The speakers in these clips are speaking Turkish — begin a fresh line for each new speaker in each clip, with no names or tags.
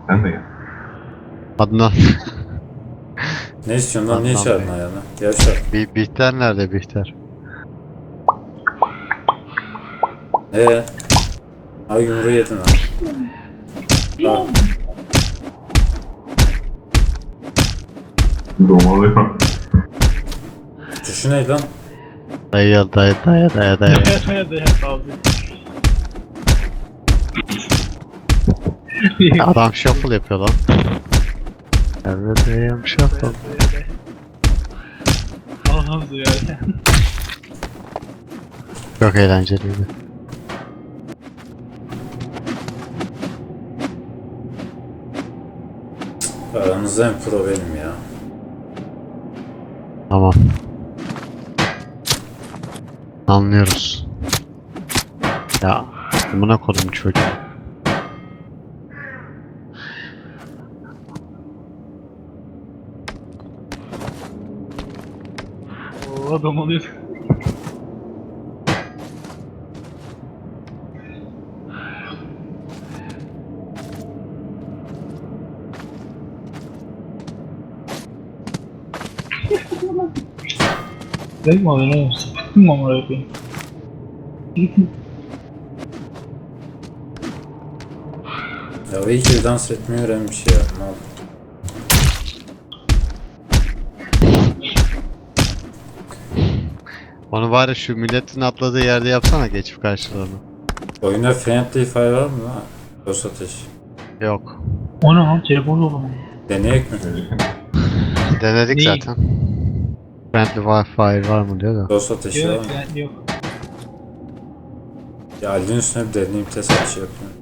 Sen de gel.
Adnan.
Ne istiyorsun lan? Niye
Adnan
çağırdın
Bey.
ayağına? Gevşek.
Bihter nerede Bihter?
Ay yumruğu yedin ha. Ha.
Domalıyor.
Tuşu ne lan?
Dayı. Adam shuffle yapıyor lan. Evet dayım shuffle.
Allah'ım duyar.
Çok eğlenceliydi.
Aranızda en pro benim ya.
Tamam. Anlıyoruz. Ya buna kodum çocuğu.
Oo adam oluyor. Değil mi abi ne olsun? Kim mamara yapayım?
Ya iyi ki dans etmeyi öğrenmiş ya. Ne oldu?
Onu bari şu milletin atladığı yerde yapsana geçip karşılarına.
Oyunda Friendly Fire var mı lan? Dost ateş.
Yok.
O ne lan? Telefon oldu mu?
Deneyek mi?
Denedik
Neyi?
zaten. Friendly Wi-Fi var mı diyor da.
Dost ateşi var
Yok
mı?
yani yok.
Ya Ali'nin üstüne bir deneyim test ateşi yapıyorum.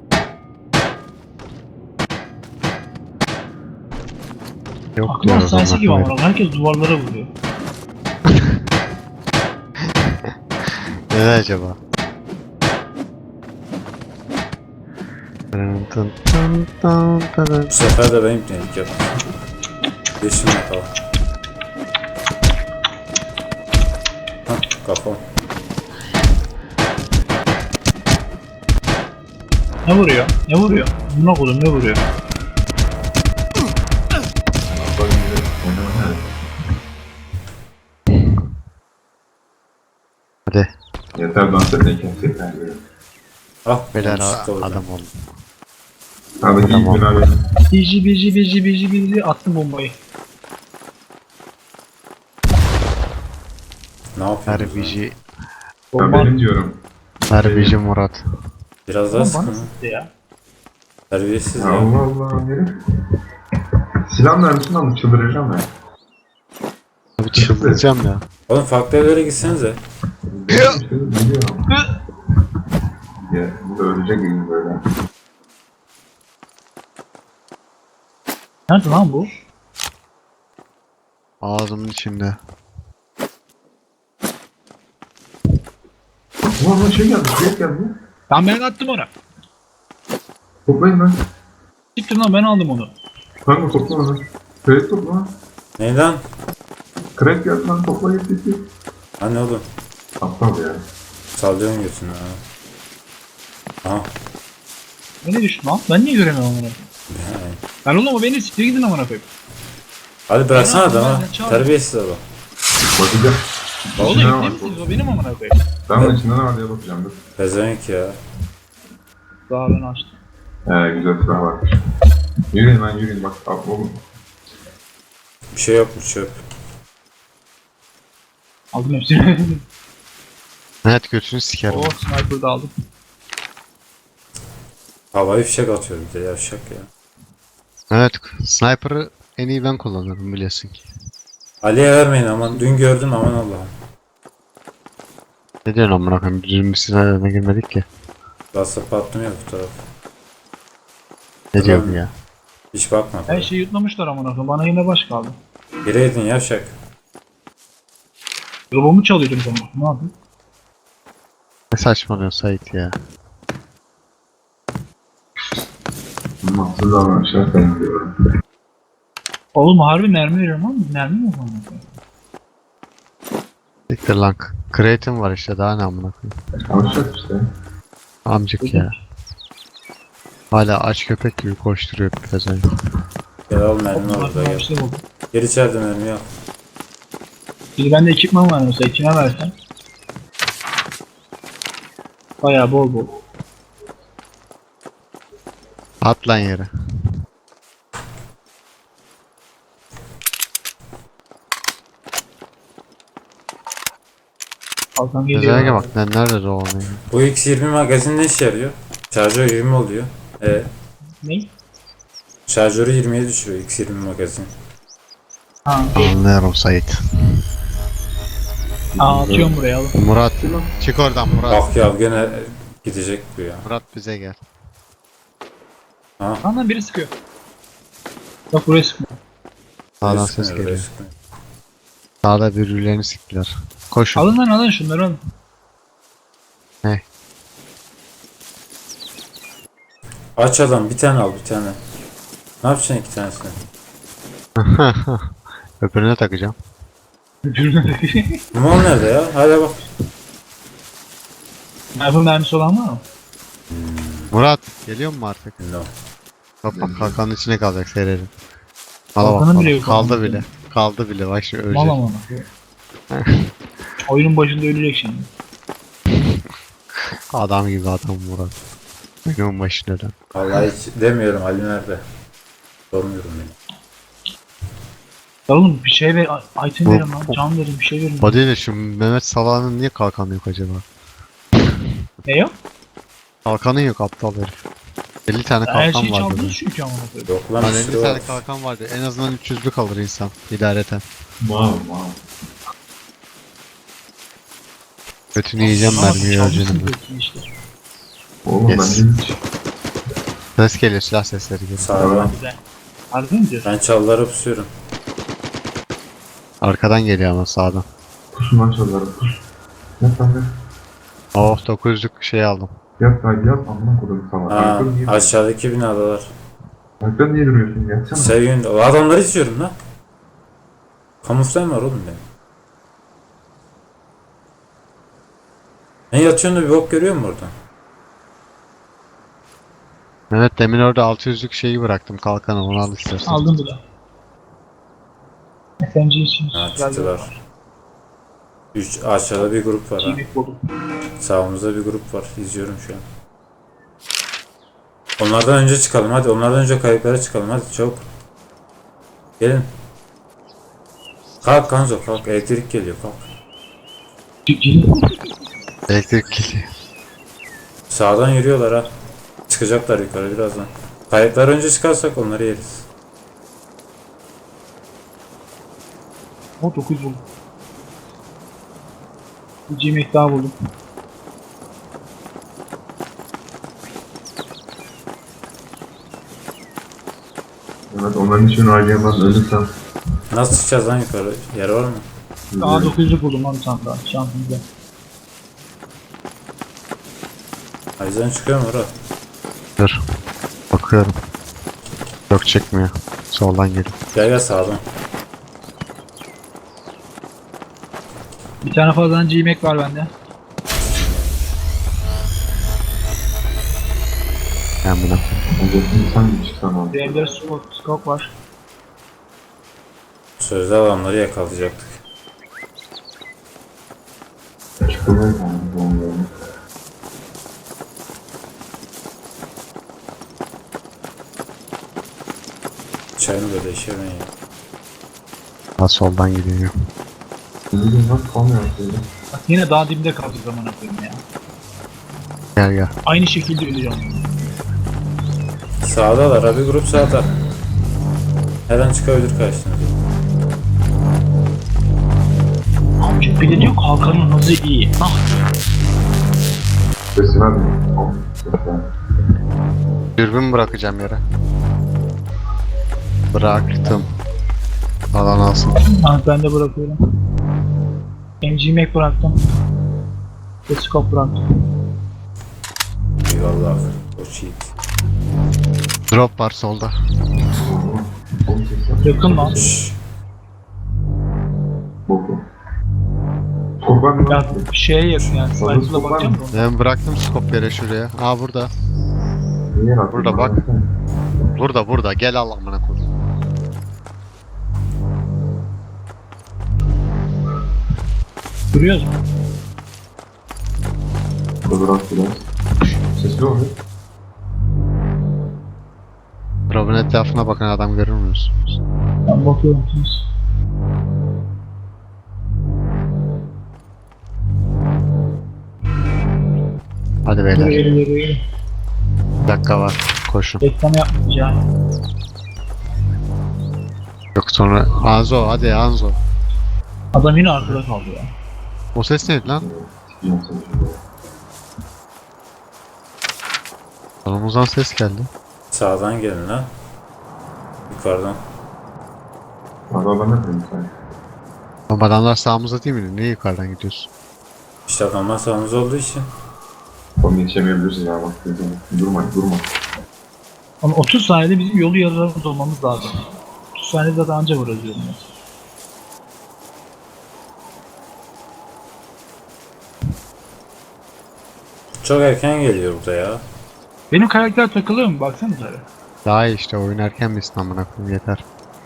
Yok
Aklıma
diyor.
hastanesi gibi
adamlar.
ama herkes duvarlara vuruyor.
Neden acaba?
Bu sefer de benim denedik yapayım. Yeşim yapalım. Hah kafam.
Ne vuruyor? Ne vuruyor? Buna koydum ne vuruyor?
Hadi.
Yeter dans etmeyken yeter.
Ah
Beyler
yanlışlıkla oldu.
adam ol.
Abi
Tamam.
iyi abi.
BG attım bombayı.
Ne yapıyorsun?
Herbici.
Ya benim diyorum.
Herbici Murat.
Biraz daha
Bana
sıkın.
sıktı ya.
Terbiyesiz
Ya
ya.
Allah Allah herif. Silah mermisini alıp çıldıracağım ya.
Abi çıldıracağım ya.
Oğlum farklı evlere gitsenize.
Biliyorum. Ya bu da ölecek gibi böyle.
Nerede lan bu?
Ağzımın içinde.
Ulan şey geldi, şey geldi.
Ben attım onu.
Toplayın lan.
Gittim lan ben aldım onu.
Kanka topla onu. Kredi topla.
Ne lan?
Kredi geldi lan topla gitti.
Ha ne oğlum?
Aptal ya.
Sallıyorsun götünü ha. Aha.
Beni düştü lan. Ben niye göremiyorum onu? Ben oğlum o beni siktir gidin amına koyayım.
Hadi bıraksana
Ben
adamı.
ne çağırdım?
Terbiyesiz adam.
Bakacağım.
Oğlum
İçinde ne
ciddi
var?
misiniz? O benim amına koyayım.
Ben de içinde ne var diye bakacağım dur.
Pezevenk ya.
Daha ben açtım.
Güzel silah varmış. Yürüyün lan yürüyün bak. Oğlum.
Bir şey yokmuş çöp.
Aldım hepsini.
Evet götünü sikerim.
Oo sniper da aldım.
Havai fişek atıyor bir de yavşak ya.
Evet sniper'ı en iyi ben kullanırım biliyorsun ki.
Ali'ye vermeyin aman. Dün gördüm aman Allah'ım.
Ne diyorsun amına koyayım? Düzgün bir silahlarına girmedik ki.
Bastı patlıyor bu taraf.
Ne diyor bu ya?
Hiç bakma.
Her şeyi yutlamışlar amına koyayım. Bana yine baş kaldı.
Gireydin yavşak.
Robomu çalıyordum zaman. Ne yapayım?
Ne saçmalıyorsun Sait ya?
Mahsul davranışlar ben diyorum.
Oğlum harbi mermi veriyorum ama mermi mi var?
Siktir lan. Crate'im var işte daha ne amına koyayım.
Alışacak işte.
Amcık ya. Hala aç köpek gibi koşturuyor pezevenk.
Gel al mermi orada
Bir
gel.
şey oldu.
Gel içeride mermi al.
Şimdi bende ekipman var mesela. Kime versen. Bayağı bol bol.
At lan yere.
Kalkan geliyor.
Pezevenke bak lan nerede dolanıyor.
Bu X20 magazin ne işe yarıyor? Şarjör 20 oluyor.
Ne?
Şarjörü 20'ye düşürüyor X20 magazin.
Ha.
Anlıyorum Sait.
Atıyorum buraya alın.
Murat çık oradan Murat.
Bak ya gene gidecek bu ya.
Murat bize gel.
Lan biri sıkıyor. Bak buraya sıkıyor.
Sağdan
Sıkmıyor,
ses
oraya
geliyor.
sıkmıyor.
Sağda birbirlerini siktiler. Koşun.
Alın lan alın şunları alın.
Aç adam bir tane al bir tane. Ne yapacaksın iki tanesini?
Öbürüne takacağım.
Limon nerede ya? Hadi bak.
Mermi mermisi olan var mı?
Murat geliyor mu artık?
No.
Bak bak kalkanın içine kalacak seyredin. Hala
Kalkanı
bak
bile
bak,
yok
kaldı
ama.
bile. Kaldı bile bak şimdi ölecek.
Mal ama. Oyunun başında ölecek şimdi.
Adam gibi adam Murat. Benim başına dön.
Vallahi hiç demiyorum Ali nerede? Sormuyorum beni.
Ya oğlum bir şey ver, item
Bu-
verin lan, can verin, bir şey verin.
Body ile şu Mehmet Salah'ın niye kalkanı yok acaba?
Ne yok?
Kalkanı yok aptal herif. 50 tane
Her
kalkan
şeyi
var
çaldınız
dedi.
çünkü amına koyayım.
Yok lan
Lan
bir
50
sürü var.
tane kalkan vardı. En azından 300'lük alır insan idareten.
Wow.
Götünü yiyeceğim
Ama
mermiyi
çaldınız
öleceğim.
diyorsun işte.
Oğlum
Yes.
bence hiç.
Ses geliyor, silah sesleri geliyor.
Sağdan.
Güzel. Harbi mi diyorsun?
Ben çalılara pusuyorum.
Arkadan geliyor ama sağdan.
Pusun lan çalıları pus. Yap lan yap.
Oh 900'lük şey aldım.
Yap lan yap. Amına kodum sana.
Ha,
Arkadan niye,
aşağıdaki binadalar.
arkadan niye duruyorsun? Yatsana.
Sevgin, o adamları izliyorum lan. Kamuflaj var oğlum benim. Ne yatıyorsun da bir bok görüyor musun oradan?
Mehmet demin orada 600'lük şeyi bıraktım kalkanı onu al istersen.
Aldım bu da. SMG için
Ha
güzel bir
çıktılar. 3 aşağıda bir grup var ha.
çiğlik buldum.
Sağımızda bir grup var. İzliyorum şu an. Onlardan önce çıkalım hadi. Onlardan önce kayıklara çıkalım hadi çabuk. Gelin. Kalk Kanzo kalk. Elektrik geliyor kalk.
Elektrik geliyor.
Sağdan yürüyorlar ha. Çıkacaklar yukarı birazdan. Kayıklar önce çıkarsak onları yeriz.
O 9 buldum. Bir G-Mac daha buldum.
Evet onların için harcayamaz ölürsem.
Nasıl çıkacağız lan yukarı? Yer var mı?
Daha 9'luk buldum lan bir tane daha. Şansımıza.
Ayzen çıkıyor mu orada?
Dur. Bakıyorum. Yok çıkmıyor. Soldan geliyor.
Gel gel sağdan.
Bir tane fazladan G-Mac var bende.
Ben buna.
Olacaksın sen mi çıksan abi?
Diğerleri scope var.
Sözde adamları yakalayacaktık.
Çıkılır mı? Doğru.
Çayını böyle işemeyin ya.
Ha soldan gidiyor.
Bugün nasıl kalmıyor aslında?
Bak yine daha dibinde kaldık zaman koyayım ya.
Gel gel.
Aynı şekilde öleceğim.
Sağdalar abi grup sağda. Her an çıkabilir karşınıza.
Amca bile diyor kalkanın hızı iyi. Ah
Sesin abi. Al. Sesin.
Dürbün bırakacağım yere. Bıraktım. Alan alsın.
ben de bırakıyorum. MG-Mac bıraktım. Ve scope bıraktım.
Eyvallah. O cheat.
Drop var solda.
Oğlum sesin.
Yakın lan.
Şşş.
Boku. Kurban mı?
Ya şeye yakın yani. Sniper'la bakacağım da.
Ben bıraktım scope yere şuraya. Aa burada.
Niye rahat
Burada bak.
baksana.
Burada gel al amına koyayım.
Duruyoruz mu?
Burada rahat biraz. Sesli oluyor.
Drop'un etrafına bakan adam görür müsünüz?
Ben bakıyorum siz.
Hadi beyler.
Geri.
Bir dakika var. Koşun.
Reklam yapmayacağım.
Yok sonra Anzo hadi Anzo.
Adam yine arkada kaldı ya.
O ses neydi lan?
Sikeceğim seni şimdi.
Solumuzdan ses geldi.
Sağdan gelin lan. Yukarıdan.
Adam ne yapayım sen?
Ama adamlar sağımızda değil mi? Niye yukarıdan gidiyorsun?
İşte adamlar sağımız olduğu için.
Oğlum yetişemeyebilirsin ya bak. Durma.
Ama 30 saniyede bizim yolu yarılarımız olmamız lazım. 30 saniyede zaten anca varız diyorum ben.
Çok erken geliyor burada ya.
Benim karakter takılıyor mu? Baksanıza.
Daha iyi işte oyun erken misin amına koyayım yeter.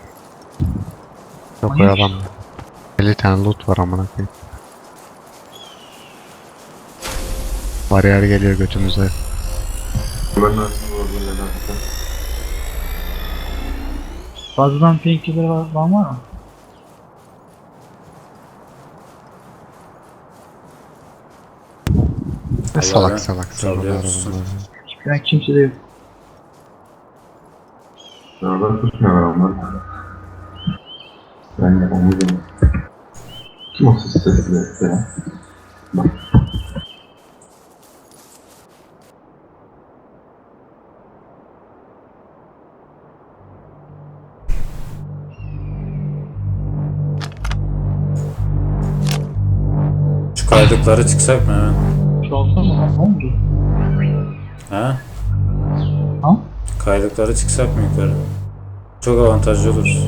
Yok
Manyak.
adam. 50 tane loot var amına koyayım. Bariyer geliyor götümüze.
Ben aslında orada neden?
Fazladan painkiller var mı?
Ne salak
ben
salak
çalıyorsun.
bunlar.
Ben kimse de yok.
Beraber tutmuyorlar onlar. Ben yapamıyorum. Kim o sesli ya? Bak.
Şu kaydıkları çıksak mı hemen?
Şu olsa mı? Ne oldu?
Ha?
Ha?
Kaydıkları çıksak mı yukarı? Çok avantajlı olur.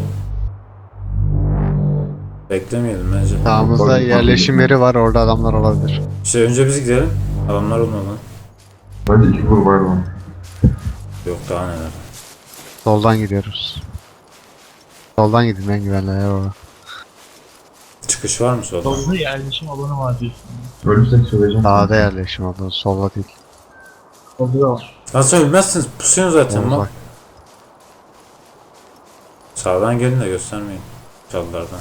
Beklemeyelim bence.
Sağımızda
Bak-
yerleşim yeri var orada adamlar olabilir.
İşte önce biz gidelim. Adamlar olmadan.
Hadi 2 vur var mı?
Yok daha neler.
Soldan gidiyoruz. Soldan gidin en güvenli yer orada.
Çıkış var mı solda?
Solda yerleşim alanı var diyorsun.
Ölürsek söyleyeceğim.
Sağda yerleşim oldu. Solda değil.
Solda da var.
Nasıl ölmezsiniz? Pusuyorsun zaten
Uzak.
bak. Sağdan gelin de göstermeyin. Çalılardan.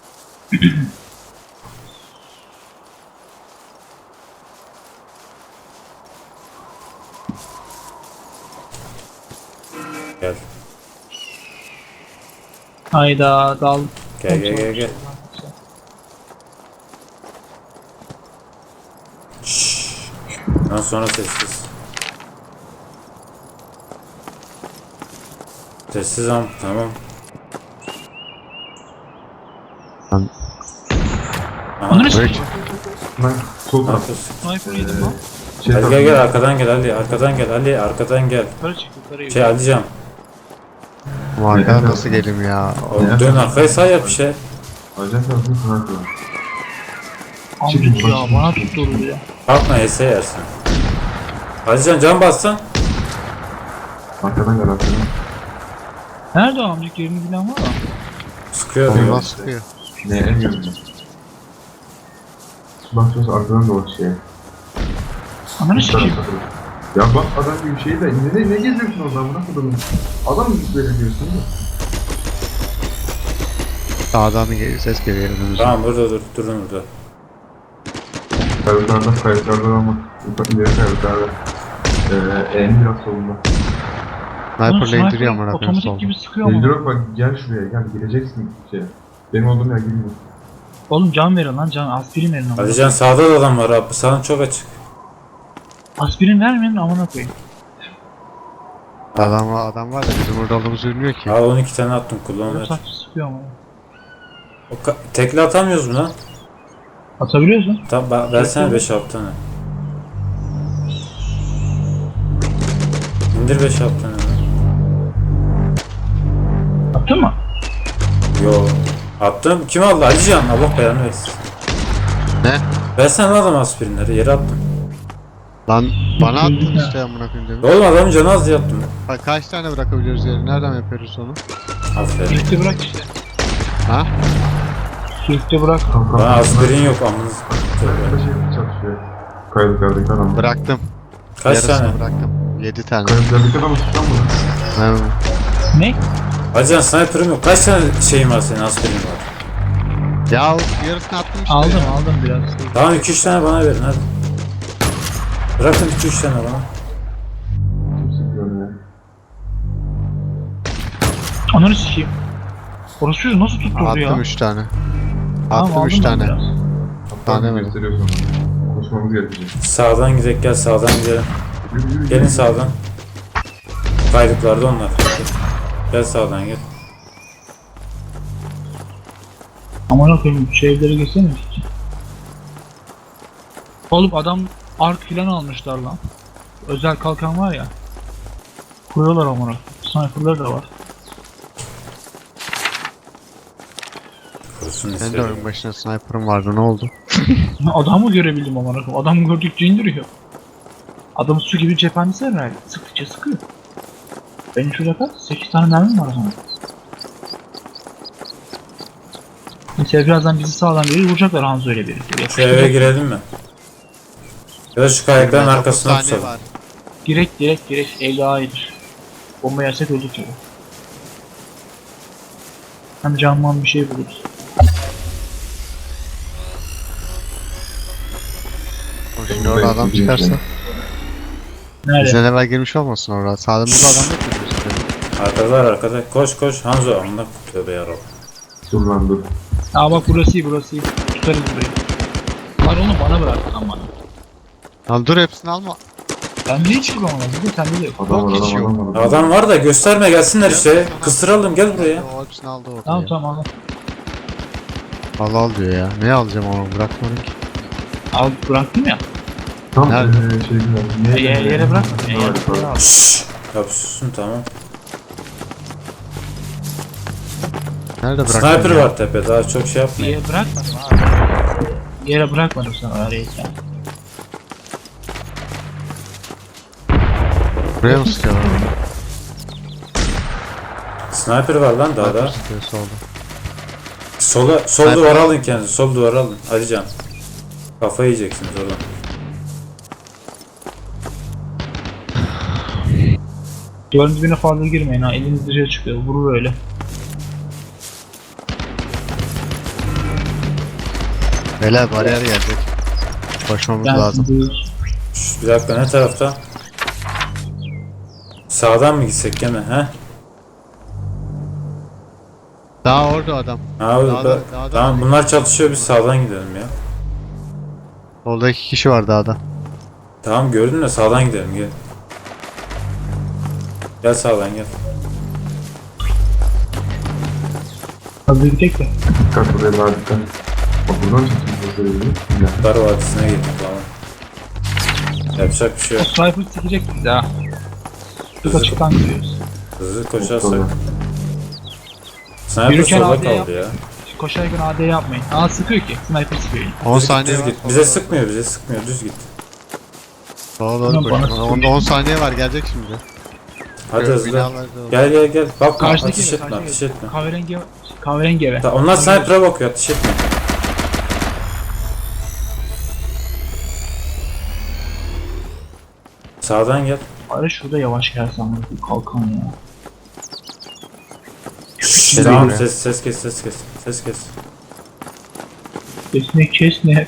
Gel.
Hayda dal.
Gel. Şşş. Ondan sonra sessiz. Sessiz am tamam.
Lan-
Onu ne
Bridge.
sıkıyor?
Ben sol
Ne
taraf.
yapıyorsun?
Sniper yedim lan.
Şey
Hadi
taraf-
gel arkadan gel Ali arkadan gel Ali arkadan gel.
Yukarı çık yukarı.
Şey Alican.
Bu arkadan nasıl gelim ya?
Oğlum dön arkaya sağ yap bir şey.
Ajan tarafını sniper var.
Amcık ya bana tutturdu ya.
Kalkma HS yersin. Alican can bassan.
Arkadan gel arkadan.
Nerede o amcık yerini bilen var mı?
Sıkıyor
Soldan
diyor.
sıkıyor.
Ne en yanında. Bak şurası arkadan da o şey.
Ananı sikeyim.
Ya bak adam gibi şey de ne geziyorsun oradan buna kadar? Adam gibi böyle diyorsun da.
Sağdan ses geliyor önümüzde.
Tamam burada dur durun burada.
Kayıtlarda ama ileri kayıtlarda. En biraz solunda.
Sniper'la indiriyor amına koyayım
otomatik
soldan.
gibi sıkıyor ama.
Eldrop bak gel şuraya gel gireceksin şey. Benim olduğum yer girmiyor.
Oğlum can verin lan can aspirin verin amına.
Alican sağda da adam var abi. Sağın çok açık.
Aspirin vermeyin amına koyayım.
Adam var da bizim burada olduğumuzu bilmiyor ki.
Al 12 tane attım kullan
Oğlum
ver.
saçma sıkıyor ama.
Tekli atamıyoruz mu lan?
Atabiliyorsun.
Tamam versene 5-6 tane. İndir 5-6 tane lan.
Attın mı?
Yo. Attım. Kim aldı? Alican. Allah belanı versin.
Ne?
Versene lan adam aspirinleri. Yere attım.
Lan bana attın
Öldük
işte amına koyayım demin.
Oğlum adamın canı az diye yaptım.
Bak kaç tane bırakabiliyoruz yeri? Nereden yapıyoruz onu?
Aferin.
Kilitli bırak işte.
Ha?
Kilitli bırak.
Kanka.
Bana aspirin yok amınız.
Arkada şey çalışıyor. Kaydıklardaki adam.
Bıraktım.
Kaç
Yarısını
tane?
bıraktım. 7 tane.
Kaydıklardaki adam tutan mı?
Ben
Ne?
Hacı sniper'ım yok. Kaç tane şeyin var senin aspirin var?
ya yarısını attım işte.
Aldım biraz.
Tamam 2-3 tane bana verin hadi. Bırakın 2-3 tane bana.
Kimse görmüyor.
Ananı sikeyim. Orası çocuğu nasıl tutturdu ya?
Attım 3 tane.
Tamam,
Attım 3
aldım ben
tane.
biraz.
Hatta
Tane mi?
gösteriyor sonra. Koşmamız gerekecek.
Sağdan gidelim gel sağdan gidelim.
Yürü, yürü,
Gelin
yürü.
sağdan. Kaydıklarda onlar. Gel sağdan gel.
Aman okuyayım şu evlere geçsene. Oğlum adam ark filan almışlar lan. Özel kalkan var ya. Kuruyorlar amına. Sniper'lar da var.
Kurusun
Ben de
istedim.
oyun başına sniper'ım vardı ne oldu?
Adamı görebildim amına koyayım. Adamı gördükçe indiriyor. Adam su gibi cephanesi herhalde. Sıktıkça sıkıyor. Benim şurada kaç? 8 tane mermim var o zaman. Mesela birazdan bizi sağdan biri vuracaklar Hanzo ile birlikte.
Şu eve girelim mi? Ya da şu kayıkların
Dokuz
arkasına
saniye
tutalım.
var.
Direkt ev daha iyidir. Bomba yersek öldük tabi. Hem canman bir şey buluruz.
Şimdi orada adam çıkarsa.
Nerede?
Bizden evvel girmiş olmasın orada. Sağlığımızda adam yok mu bizim?
Arkadalar arkada. Koş koş Hanzo amına tövbe yarabbim.
Dur lan dur.
Aa bak burası iyi. Tutarız burayı. Lan onu bana bırak lan bana.
Lan dur hepsini alma.
Ben niye çıkıyorum ona? Bir de sende de yok.
Adam var
hiç yok.
adam var.
Adam var da gösterme gelsinler işte. Kıstıralım gel buraya.
O hepsini aldı orada
Tamam
ya.
tamam al.
Al diyor ya. Ne alacağım onu bırakmadım ki.
Al bıraktım ya.
Tam
Nerede?
şey güzel.
Yere bırakma.
Ne var
Yere
yukarıda?
bırakma.
Şşş. Ya susun tamam.
Nerede bıraktın
Sniper
ya?
var tepe daha çok şey yapmayın.
Yere bırakmadım abi. Yere bırakmadım sana arayken.
Buraya mı sıkıyorlar?
Sniper var lan daha da.
Sıkıyor solda.
Sol
Sniper.
duvara alın kendinizi. Sol duvara alın. Alican. Kafayı yiyeceksiniz oradan.
Duvarın dibine fazla girmeyin ha. Eliniz dışarı çıkıyor. Vurur öyle.
Beyler bariyer gelecek. Koşmamız lazım.
Buyur.
Şş, bir dakika ne tarafta? Sağdan mı gitsek gene he?
Daha orada adam.
Ha,
Dağda-
tamam bunlar çatışıyor biz sağdan gidelim ya.
Solda 2 kişi var dağda.
Tamam gördün de sağdan gidelim gel. Gel sağdan gel.
Hadi gidelim de.
Dikkat buraya daha dikkat. Bak buradan çekeceğiz. Ya.
Dar Vadisi'ne gittik tamam. Yapacak bir şey yok.
Sniper sikecek bizi ha. Biz
Hızlı,
açıktan gidiyoruz.
hızlı koşarsak.
Sonra.
Sniper
Yürürken
solda
AD
kaldı
yap.
ya.
Koşarken AD yapmayın. Aa sıkıyor ki. Sniper sıkıyor.
10
Düz,
saniye
düz
var.
git. Bize sıkmıyor düz git.
Sola doğru
Ulan bana
koşuyor.
sıkıyor.
10 saniye var gelecek şimdi.
Hadi hızlı.
Binalarda olur.
Gel. Bakma
Karşıdaki
ateş
eve,
etme
karşıdaki
ateş
eve.
etme.
Kahverengi eve.
Onlar sniper'a bakıyor ateş etme. Sağdan gel.
Bari şurada yavaş gelsen bu kalkan ya.
Tamam ses kes.
Kesme.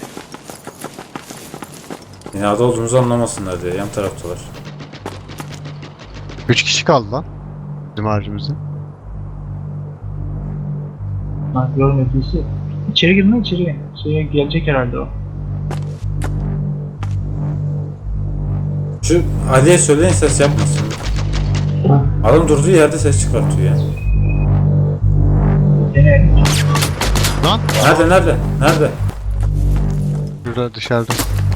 Binada olduğumuzu anlamasınlar diye yan taraftalar.
3 kişi kaldı lan. Bizim harcımızda.
Ben görmediyse. İçeri girin lan içeri. Şeye gelecek herhalde o.
Şu Ali'ye söyleyin ses yapmasın. Adam durduğu yerde ses çıkartıyor ya.
Deneyelim.
Lan.
Nerede?
Şurada dışarıda.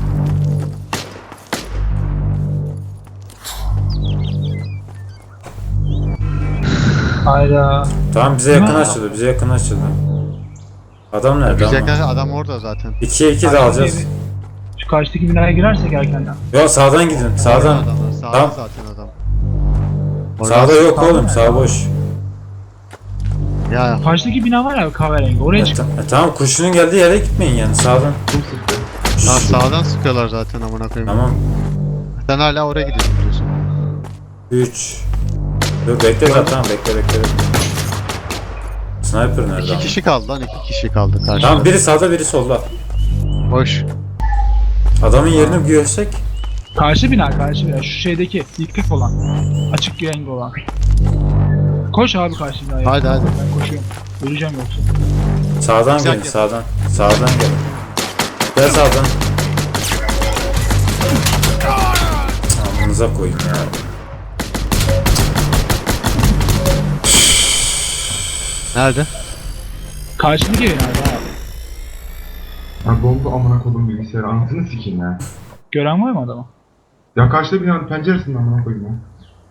Hayda.
Tamam bize yakın açıldı. Adam nerede
Biz
ama?
yakın adam orada zaten.
2'ye 2 de alacağız.
karşıdaki binaya girersek erkenden.
Yo sağdan gidin. Sağdan.
Adamlar, sağda
Tamam.
zaten adam.
Sağda yok
Sağdan
oğlum.
ne?
Sağ boş.
Ya
Karşıdaki bina var ya kahverengi oraya çık.
Tamam kurşunun geldiği yere gitmeyin yani sağdan.
Kim sıktı?
lan sağdan sıkıyorlar zaten amına koyayım.
Tamam.
Sen hala oraya gidiyorsun diyorsun.
3. Dur bekle tamam bekle. Sniper nerede
2
ama?
kişi kaldı lan, 2 kişi kaldı karşıda.
Tamam biri sağda biri solda.
Boş.
Adamın yerini bir görsek.
Karşı bina şu şeydeki yıkık olan. Açık renk olan. Koş abi karşı binaya.
Hadi.
Ben koşuyorum. Öleceğim yoksa.
Sağdan
Güzel
gelin
gel.
sağdan. Sağdan gelin. Gel sağdan. Amınıza koyayım ya.
Nerede?
Karşıdaki bina abi.
Ya dondu amına kodum bilgisayarı. Anasını sikeyim ya.
Gören var mı adamı?
Ya karşıda binanın penceresinden amına koyayım ya.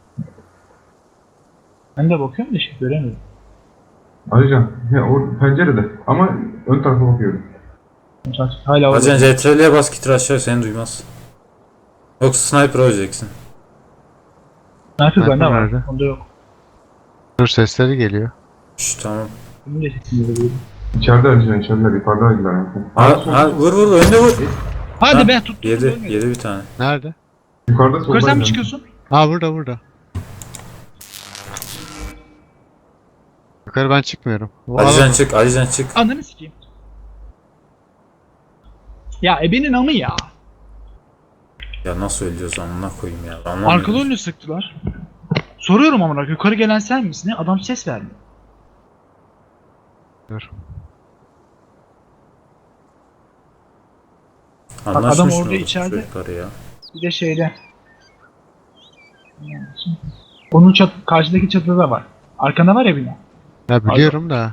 Ben de bakıyorum da göremiyorum.
Ayrıca ya o pencerede ama ön tarafa bakıyorum.
Hala orada.
Acan CTRL'ye bas git aşağı seni duymaz. Yoksa sniper olacaksın.
Sniper bende var.
Nerede?
Onda yok.
Dur sesleri geliyor.
Şşş tamam.
Benim de sesimi duyuyorum.
İçeride ayrıca içeride yukarıdaydılar yani.
Ha vur önde vur.
Hadi
Ha,
be tut.
Yedi bir tane.
Nerede?
Yukarıda
Yukarı sen mi
soldaydı.
çıkıyorsun?
Ha burada. Yukarı ben çıkmıyorum. Bu
Alican
adam-
çık Alican çık.
Ananı sikeyim. Ya ebenin amı ya.
Ya nasıl ölüyoruz amına koyayım ya. Anlamıyorum.
Arkalı önlü sıktılar. Soruyorum amına yukarı gelen sen misin? Adam ses vermiyor.
Dur.
Anlaşmış
adam
mı
orada
orası
içeride.
çocukları ya?
Bir de şeyde. Onun karşıdaki çatıda da var. Arkanda var ya bina.
Ya biliyorum da.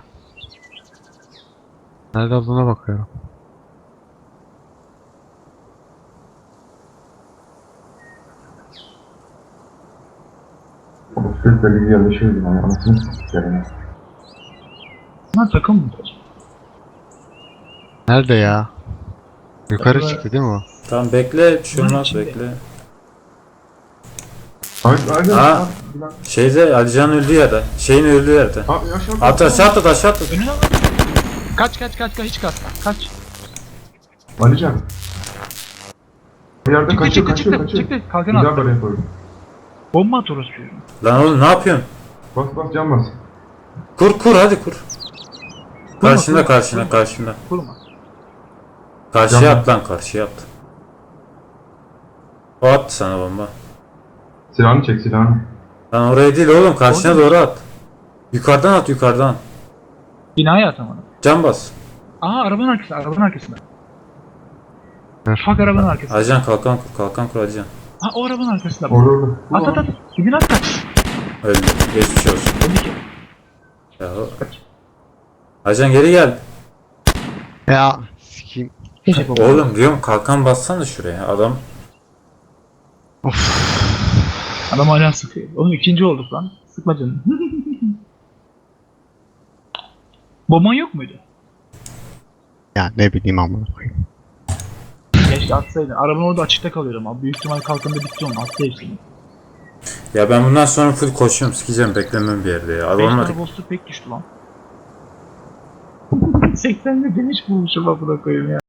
Nerede olduğuna bakıyorum.
O sesle bir yerleşiyordu yani anasını sikeyim ya.
Bunlar takım mı?
Nerede ya? Yukarı
Acaba-
çıktı değil mi o?
Tamam bekle bir şey
Bunun
olmaz
içinde.
bekle.
Aynen.
Ha. Şeyde Alican öldüğü yerde. Şeyin öldüğü yerde.
Abi aşağı
At aşağı at.
Önüne al. Kaç hiç kaç. Kaç.
Alican. Bir yerde kaçıyor.
Çıktı. Kalkan
Bir daha
attı.
böyle koydum.
Bomba at orası diyorum.
Lan oğlum ne yapıyorsun?
Bas can bas.
Kur hadi kur. Karşında
kurma.
karşında.
Kurma.
Karşıya
Tamam.
at lan karşıya at. O attı sana bomba.
Silahını çek silahını.
Lan oraya değil oğlum karşına
Orada mı?
doğru at. Yukarıdan at yukarıdan.
Binaya atamadım.
Can bas.
Aha arabanın arkasında.
Ver.
Bak arabanın arkasında.
Alican kalkan kur Alican.
Ha o arabanın arkasında.
Orada.
At. Gidin at kaç.
Öldü. Geçmiş olsun.
Öldü ki.
Ya o. Alican geri gel.
Ya sikeyim.
Keşke bomba.
Oğlum diyorum kalkan bassana şuraya adam.
Adam hala sıkıyor. Oğlum ikinci olduk lan. Sıkma canım. Bomban yok muydu?
Ya ne bileyim amına koyayım.
Keşke atsaydın. Araban orada açıkta kalıyor ama. Büyük ihtimal kalkanda bitti onun. Attı hepsini.
Ya ben bundan sonra full koşuyorum sikeceğim beklemem bir yerde ya.
5
Olmadı.
tane boss'u pek düştü lan. 80'de demiş bulmuşum amına koyayım ya.